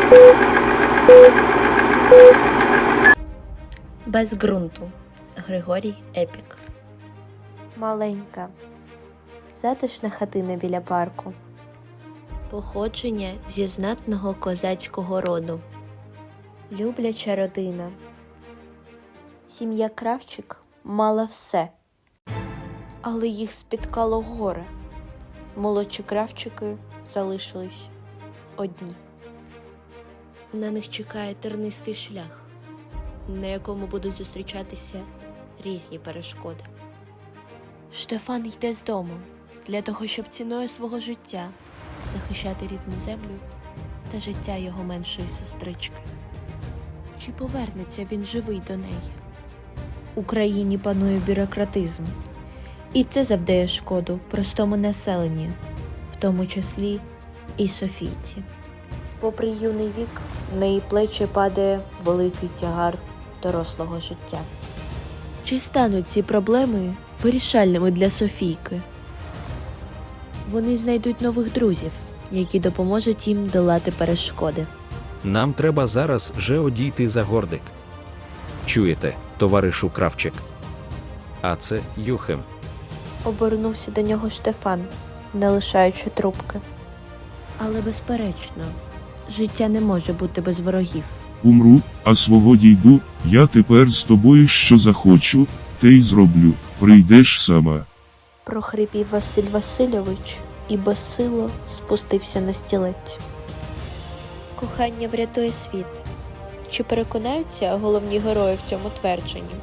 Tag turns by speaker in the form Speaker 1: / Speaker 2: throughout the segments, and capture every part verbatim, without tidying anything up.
Speaker 1: Без ґрунту. Григорій Епік.
Speaker 2: Маленька, затишна хатина біля парку.
Speaker 1: Походження зі знатного козацького роду.
Speaker 2: Любляча родина. Сім'я Кравчик мала все, але їх спіткало горе. Молодші Кравчики залишилися одні.
Speaker 1: На них чекає тернистий шлях, на якому будуть зустрічатися різні перешкоди. Штефан йде з дому для того, щоб ціною свого життя захищати рідну землю та життя його меншої сестрички. Чи повернеться він живий до неї?
Speaker 2: У країні панує бюрократизм, і це завдає шкоду простому населенню, в тому числі і Софійці. Попри юний вік, на її плечі падає великий тягар дорослого життя.
Speaker 1: Чи стануть ці проблеми вирішальними для Софійки? Вони знайдуть нових друзів, які допоможуть їм долати перешкоди.
Speaker 3: Нам треба зараз же одійти за гордик. Чуєте, товаришу Кравчик? А це Юхим.
Speaker 2: Обернувся до нього Штефан, не лишаючи трубки.
Speaker 1: Але, безперечно, життя не може бути без ворогів.
Speaker 4: Умру, а свого дійду, я тепер з тобою що захочу, те й зроблю, прийдеш сама.
Speaker 2: Прохрипів Василь Васильович і безсило спустився на стілець. Кохання врятує світ. Чи переконаються головні герої в цьому твердженні?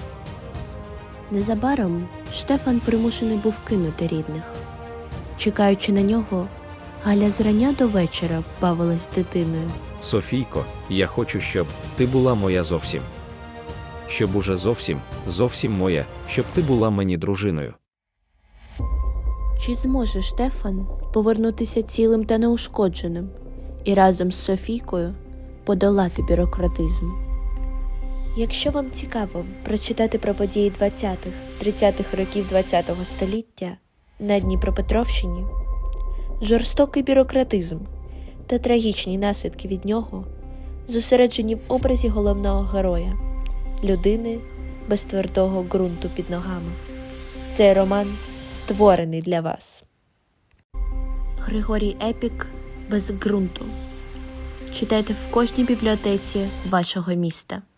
Speaker 1: Незабаром Штефан примушений був кинути рідних. Чекаючи на нього, Галя зрання до вечора бавилась з дитиною.
Speaker 3: Софійко, я хочу, щоб ти була моя зовсім. Щоб уже зовсім, зовсім моя, щоб ти була мені дружиною.
Speaker 1: Чи зможе Штефан повернутися цілим та неушкодженим і разом з Софійкою подолати бюрократизм?
Speaker 2: Якщо вам цікаво прочитати про події двадцятих-тридцятих років ХХ століття на Дніпропетровщині, жорстокий бюрократизм та трагічні наслідки від нього зосереджені в образі головного героя – людини без твердого ґрунту під ногами. Цей роман створений для вас.
Speaker 1: Григорій Епік «Без ґрунту». Читайте в кожній бібліотеці вашого міста.